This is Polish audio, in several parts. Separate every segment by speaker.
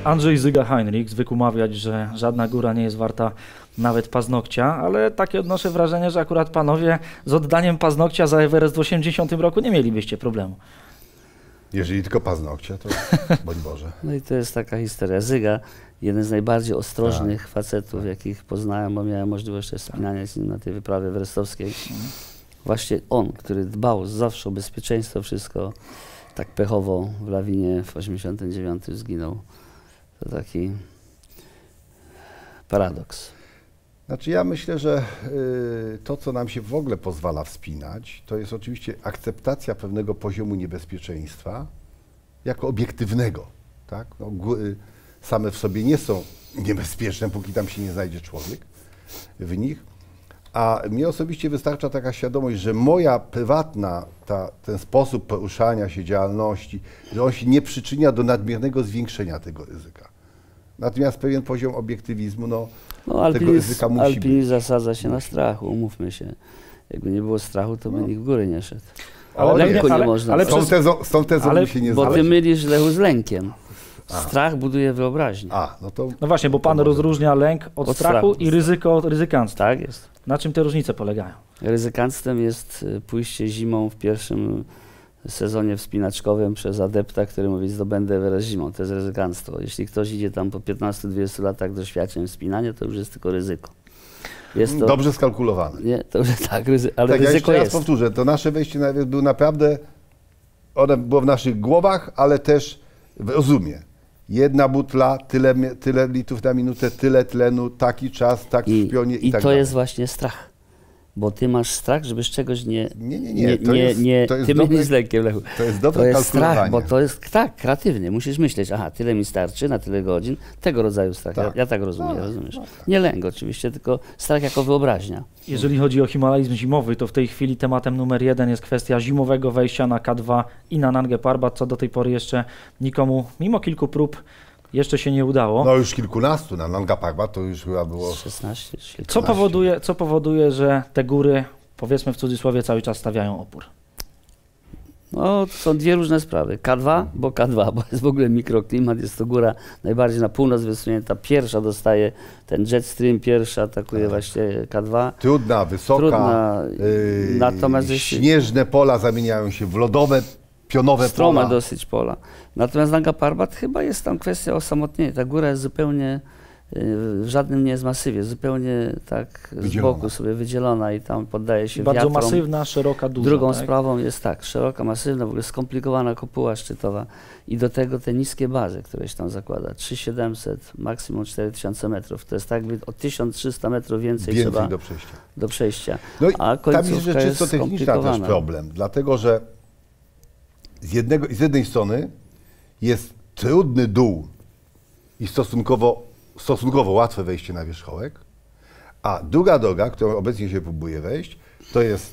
Speaker 1: Andrzej Zyga-Heinrich zwykł mawiać, że żadna góra nie jest warta nawet paznokcia, ale takie odnoszę wrażenie, że akurat panowie z oddaniem paznokcia za Everest w 80 roku nie mielibyście problemu.
Speaker 2: Jeżeli tylko paznokcia, to bądź Boże.
Speaker 3: No i to jest taka historia. Zyga, jeden z najbardziej ostrożnych facetów, jakich poznałem, bo miałem możliwość też wspinania z nim na tej wyprawie everestowskiej. Właśnie on, który dbał zawsze o bezpieczeństwo, wszystko tak pechowo w lawinie w 89 zginął. To taki paradoks.
Speaker 2: Znaczy ja myślę, że to, co nam się w ogóle pozwala wspinać, to jest oczywiście akceptacja pewnego poziomu niebezpieczeństwa jako obiektywnego. Tak? No, góry same w sobie nie są niebezpieczne, póki tam się nie znajdzie człowiek w nich. A mnie osobiście wystarcza taka świadomość, że moja prywatna, ten sposób poruszania się, działalności, że on się nie przyczynia do nadmiernego zwiększenia tego ryzyka. Natomiast pewien poziom obiektywizmu, no tego ryzyka musi być.
Speaker 3: Alpinizm zasadza się na strachu, umówmy się. Jakby nie było strachu, to by nikt w góry nie szedł.
Speaker 2: Ale
Speaker 3: lęku nie można.
Speaker 2: Ale z tą tezą mi się nie
Speaker 3: bo
Speaker 2: zgadza.
Speaker 3: ty mylisz, Lechu, z lękiem. Strach buduje wyobraźnię.
Speaker 1: No właśnie, bo pan rozróżnia lęk od strachu i ryzyko od ryzykanstwa.
Speaker 3: Tak jest.
Speaker 1: Na czym te różnice polegają?
Speaker 3: Ryzykanstwem jest pójście zimą w pierwszym sezonie wspinaczkowym przez adepta, który mówi, zdobędę Everest zimą. To jest ryzykanstwo. Jeśli ktoś idzie tam po 15-20 latach doświadczeń wspinania, to już jest tylko ryzyko. Jest to,
Speaker 2: dobrze skalkulowane.
Speaker 3: Nie, to już tak, ale
Speaker 2: tak,
Speaker 3: ryzyko
Speaker 2: ja
Speaker 3: jest.
Speaker 2: raz powtórzę, to nasze wejście na Everest było naprawdę, one było w naszych głowach, ale też w rozumie. Jedna butla, tyle litrów na minutę, tyle tlenu, taki czas, taki w pionie i tak
Speaker 3: to
Speaker 2: dalej.
Speaker 3: jest właśnie strach. Bo ty masz strach, żeby z czegoś nie
Speaker 2: ty
Speaker 3: mylisz z lękiem, Lechu.
Speaker 2: To jest dobre
Speaker 3: To jest
Speaker 2: kalkulowanie.
Speaker 3: strach, bo to jest tak, kreatywnie. Musisz myśleć, aha, tyle mi starczy na tyle godzin, tego rodzaju strach.
Speaker 2: Tak.
Speaker 3: Ja tak rozumiem, rozumiesz? Nie lęk oczywiście, tylko strach jako wyobraźnia.
Speaker 1: Jeżeli chodzi o himalajzm zimowy, to w tej chwili tematem numer 1 jest kwestia zimowego wejścia na K2 i na Nangę Parbat, co do tej pory jeszcze nikomu, mimo kilku prób, jeszcze się nie udało.
Speaker 2: No już kilkunastu, na Nanga Parbat to już chyba było
Speaker 3: 16,
Speaker 1: Co powoduje, że te góry, powiedzmy w cudzysłowie, cały czas stawiają opór?
Speaker 3: No, to są dwie różne sprawy. K2, bo jest w ogóle mikroklimat, jest to góra najbardziej na północ wysunięta. Pierwsza dostaje ten jetstream, pierwsza atakuje właśnie K2.
Speaker 2: Trudna, wysoka,
Speaker 3: natomiast
Speaker 2: śnieżne pola zamieniają się w lodowe, pionowe
Speaker 3: strome
Speaker 2: pola.
Speaker 3: dosyć pola. Natomiast Nanga Parbat chyba jest tam kwestia osamotnienia. Ta góra jest zupełnie, w żadnym nie jest masywie, zupełnie tak z boku sobie wydzielona i tam poddaje się
Speaker 1: bardzo
Speaker 3: wiatrom.
Speaker 1: Masywna, szeroka, duża.
Speaker 3: Drugą
Speaker 1: tak?
Speaker 3: sprawą jest tak, szeroka, masywna, w ogóle skomplikowana kopuła szczytowa i do tego te niskie bazy, które się tam zakłada. 3700, maksimum 4000 metrów. To jest tak jakby o 1300 metrów więcej trzeba do przejścia.
Speaker 2: No i
Speaker 3: a
Speaker 2: tam jest rzecz czysto techniczna też problem, dlatego że z jednej strony jest trudny dół i stosunkowo łatwe wejście na wierzchołek, a druga droga, którą obecnie się próbuje wejść, to jest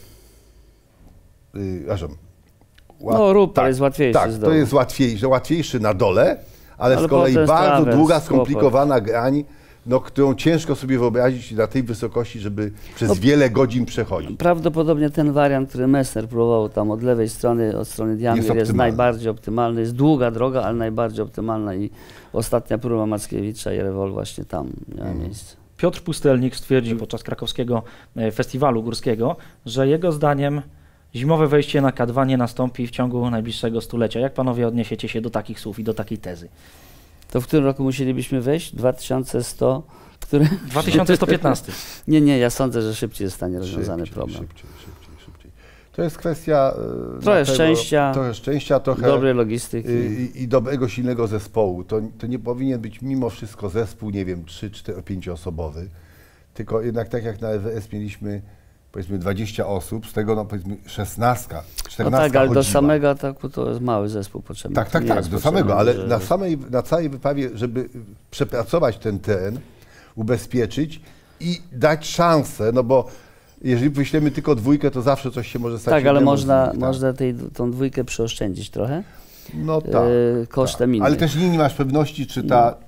Speaker 3: jest łatwiejszy z dołu.
Speaker 2: to jest łatwiejszy na dole, ale z kolei bardzo długa, skomplikowana grań, którą ciężko sobie wyobrazić na tej wysokości, żeby przez wiele godzin przechodzić.
Speaker 3: Prawdopodobnie ten wariant, który Messner próbował tam od lewej strony, od strony Diamir, jest najbardziej optymalny. Jest długa droga, ale najbardziej optymalna i ostatnia próba Mackiewicza i Rewol właśnie tam miała miejsce.
Speaker 1: Piotr Pustelnik stwierdził podczas krakowskiego festiwalu górskiego, że jego zdaniem zimowe wejście na K2 nie nastąpi w ciągu najbliższego stulecia. Jak panowie odniesiecie się do takich słów i do takiej tezy?
Speaker 3: To w którym roku musielibyśmy wejść? 2100? Który?
Speaker 1: 2115.
Speaker 3: Nie, ja sądzę, że szybciej zostanie rozwiązany problem.
Speaker 2: Szybciej. To jest kwestia
Speaker 3: trochę szczęścia,
Speaker 2: trochę
Speaker 3: dobrej logistyki
Speaker 2: i dobrego, silnego zespołu. To nie powinien być mimo wszystko zespół, nie wiem, 3, 4, 5 osobowy, tylko jednak tak jak na EWS mieliśmy powiedzmy 20 osób, z tego powiedzmy 16, 14
Speaker 3: no tak, ale
Speaker 2: chodziła.
Speaker 3: do samego ataku to jest mały zespół potrzebny.
Speaker 2: Tak, do samego, ale na całej wyprawie, żeby przepracować ten teren, ubezpieczyć i dać szansę, no bo jeżeli wyślemy tylko dwójkę, to zawsze coś się może stać.
Speaker 3: Tak, ale można tą dwójkę przeoszczędzić trochę.
Speaker 2: No tak.
Speaker 3: Kosztem innych.
Speaker 2: Ale też nie masz pewności, czy ta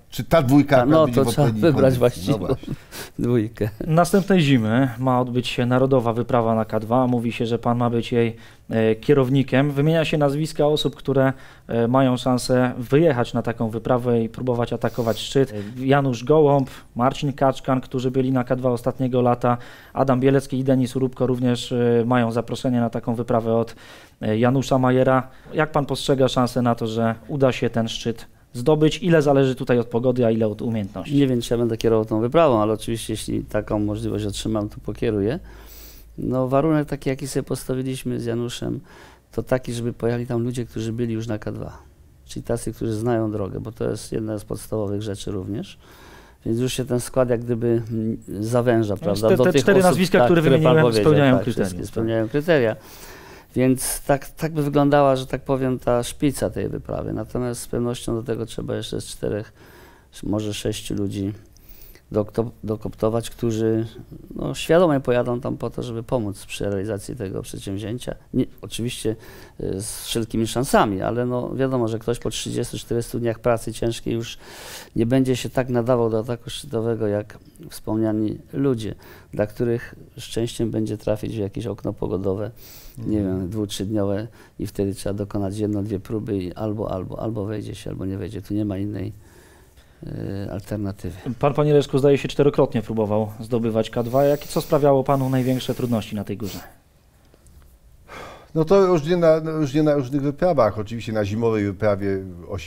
Speaker 2: Czy ta dwójka
Speaker 3: No
Speaker 2: będzie
Speaker 3: to
Speaker 2: w
Speaker 3: trzeba
Speaker 2: odpowiedniej
Speaker 3: wybrać
Speaker 2: kondycji?
Speaker 3: właściwą dwójkę.
Speaker 1: Następnej zimy ma odbyć się narodowa wyprawa na K2. Mówi się, że pan ma być jej kierownikiem. Wymienia się nazwiska osób, które mają szansę wyjechać na taką wyprawę i próbować atakować szczyt. Janusz Gołąb, Marcin Kaczkan, którzy byli na K2 ostatniego lata, Adam Bielecki i Denis Urubko również mają zaproszenie na taką wyprawę od Janusza Majera. Jak pan postrzega szansę na to, że uda się ten szczyt zdobyć? Ile zależy tutaj od pogody, a ile od umiejętności?
Speaker 3: Nie wiem, czy ja będę kierował tą wyprawą, ale oczywiście jeśli taką możliwość otrzymam, to pokieruję. No warunek taki, jaki sobie postawiliśmy z Januszem, to taki, żeby pojechali tam ludzie, którzy byli już na K2. Czyli tacy, którzy znają drogę, bo to jest jedna z podstawowych rzeczy również. Więc już się ten skład jak gdyby zawęża, prawda?
Speaker 1: Te
Speaker 3: do tych
Speaker 1: cztery
Speaker 3: osób,
Speaker 1: nazwiska,
Speaker 3: tak,
Speaker 1: które
Speaker 3: pan
Speaker 1: wymieniłem,
Speaker 3: powiedział,
Speaker 1: spełniają
Speaker 3: tak,
Speaker 1: kryteria.
Speaker 3: wszystkie spełniają kryteria. Więc tak by wyglądała, że tak powiem, ta szpica tej wyprawy. Natomiast z pewnością do tego trzeba jeszcze z 4, może 6 ludzi dokoptować, którzy no, świadomie pojadą tam po to, żeby pomóc przy realizacji tego przedsięwzięcia. Nie, oczywiście z wszelkimi szansami, ale no, wiadomo, że ktoś po 30-40 dniach pracy ciężkiej już nie będzie się tak nadawał do ataku szczytowego jak wspomniani ludzie, dla których szczęściem będzie trafić w jakieś okno pogodowe, nie wiem, 2-3-dniowe i wtedy trzeba dokonać 1-2 próby i albo wejdzie się, albo nie wejdzie. Tu nie ma innej alternatywy.
Speaker 1: Pan, panie Leszku, zdaje się 4-krotnie próbował zdobywać K2. Co sprawiało panu największe trudności na tej górze?
Speaker 2: No to już nie na różnych wyprawach. Oczywiście na zimowej wyprawie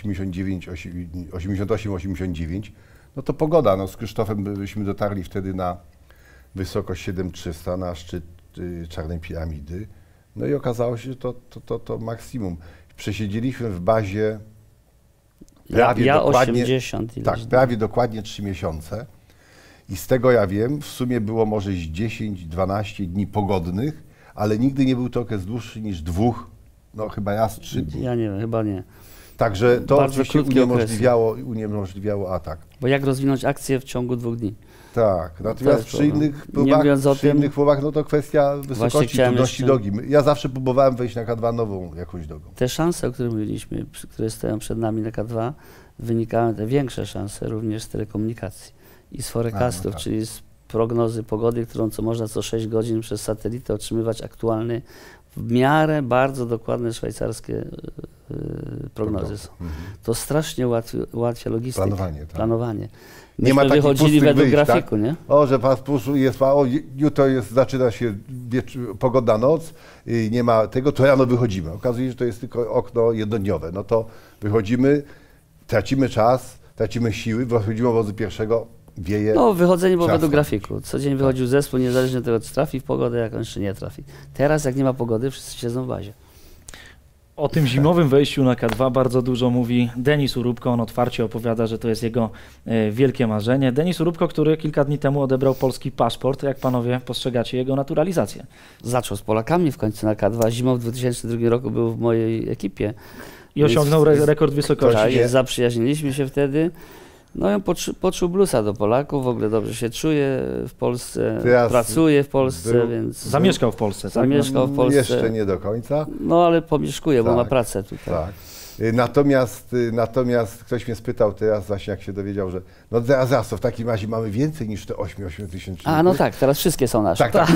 Speaker 2: 88-89, no to pogoda. No z Krzysztofem byśmy dotarli wtedy na wysokość 7300, na szczyt Czarnej Piramidy. No i okazało się, że to maksimum. Przesiedzieliśmy w bazie prawie
Speaker 3: 80 ileś.
Speaker 2: Tak, prawie dokładnie 3 miesiące. I z tego ja wiem, w sumie było może 10-12 dni pogodnych, ale nigdy nie był to okres dłuższy niż 2, no chyba raz 3 dni.
Speaker 3: Ja nie wiem, chyba nie.
Speaker 2: Także to
Speaker 3: Bardzo
Speaker 2: oczywiście
Speaker 3: krótkie
Speaker 2: uniemożliwiało atak.
Speaker 3: Bo jak rozwinąć akcję w ciągu 2 dni?
Speaker 2: Tak, natomiast przy innych próbach, no to kwestia wysokości, trudności drogi. Ja zawsze próbowałem wejść na K2 nową jakąś drogą.
Speaker 3: Te szanse, o których mówiliśmy, które stoją przed nami na K2, wynikają te większe szanse również z telekomunikacji i z forecastów,
Speaker 2: no tak.
Speaker 3: czyli z prognozy pogody, którą można co 6 godzin przez satelitę otrzymywać aktualny, w miarę bardzo dokładne szwajcarskie prognozy są. To strasznie ułatwia logistykę, planowanie.
Speaker 2: Nie ma takich
Speaker 3: wychodzili według
Speaker 2: wyjść,
Speaker 3: grafiku,
Speaker 2: tak?
Speaker 3: nie?
Speaker 2: O, że jest jutro zaczyna się pogodna noc, nie ma tego, to rano wychodzimy. Okazuje się, że to jest tylko okno jednodniowe. No to wychodzimy, tracimy czas, tracimy siły, wychodzimy obozu pierwszego, wieje.
Speaker 3: No, wychodzenie było według
Speaker 2: wstąpić.
Speaker 3: grafiku. Co dzień wychodził zespół, niezależnie od tego, czy trafi w pogodę, jak on jeszcze nie trafi. Teraz, jak nie ma pogody, wszyscy siedzą w bazie.
Speaker 1: O tym zimowym wejściu na K2 bardzo dużo mówi Denis Urubko. On otwarcie opowiada, że to jest jego wielkie marzenie. Denis Urubko, który kilka dni temu odebrał polski paszport. Jak panowie postrzegacie jego naturalizację?
Speaker 3: Zaczął z Polakami w końcu na K2. Zimą w 2002 roku był w mojej ekipie.
Speaker 1: I osiągnął rekord wysokości.
Speaker 3: Tak, zaprzyjaźniliśmy się wtedy. No i on poczuł bluesa do Polaków, w ogóle dobrze się czuje w Polsce, pracuje w Polsce, więc...
Speaker 1: Zamieszkał w Polsce, tak?
Speaker 3: Zamieszkał w Polsce.
Speaker 2: Jeszcze nie do końca.
Speaker 3: No ale pomieszkuje, bo
Speaker 2: Tak,
Speaker 3: ma pracę tutaj.
Speaker 2: Tak. Natomiast ktoś mnie spytał teraz właśnie, jak się dowiedział, że no zaraz, to w takim razie mamy więcej niż te 8 tysięcy.
Speaker 3: A no tak, teraz wszystkie są nasze.
Speaker 2: Tak.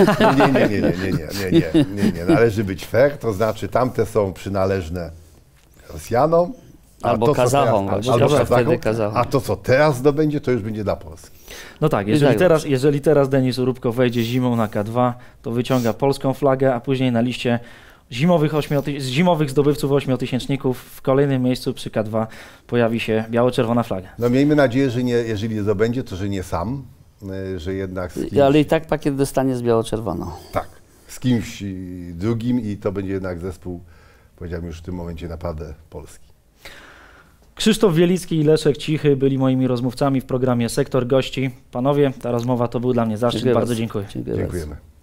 Speaker 2: Nie. Należy być fair, to znaczy tamte są przynależne Rosjanom,
Speaker 3: albo Kazachom,
Speaker 2: a to, co teraz zdobędzie, to już będzie dla Polski.
Speaker 1: No tak, jeżeli teraz Denis Urubko wejdzie zimą na K2, to wyciąga polską flagę, a później na liście zimowych zdobywców 8-tysięczników w kolejnym miejscu przy K2 pojawi się biało-czerwona flaga.
Speaker 2: No miejmy nadzieję, że nie, jeżeli nie zdobędzie, to że nie sam, że jednak z kimś...
Speaker 3: Ale i tak pakiet dostanie z biało-czerwoną.
Speaker 2: Tak, z kimś drugim i to będzie jednak zespół, powiedziałbym już w tym momencie naprawdę polski.
Speaker 1: Krzysztof Wielicki i Leszek Cichy byli moimi rozmówcami w programie Sektor Gości. Panowie, ta rozmowa to był dla mnie zaszczyt. Bardzo dziękuję.
Speaker 2: Dziękujemy.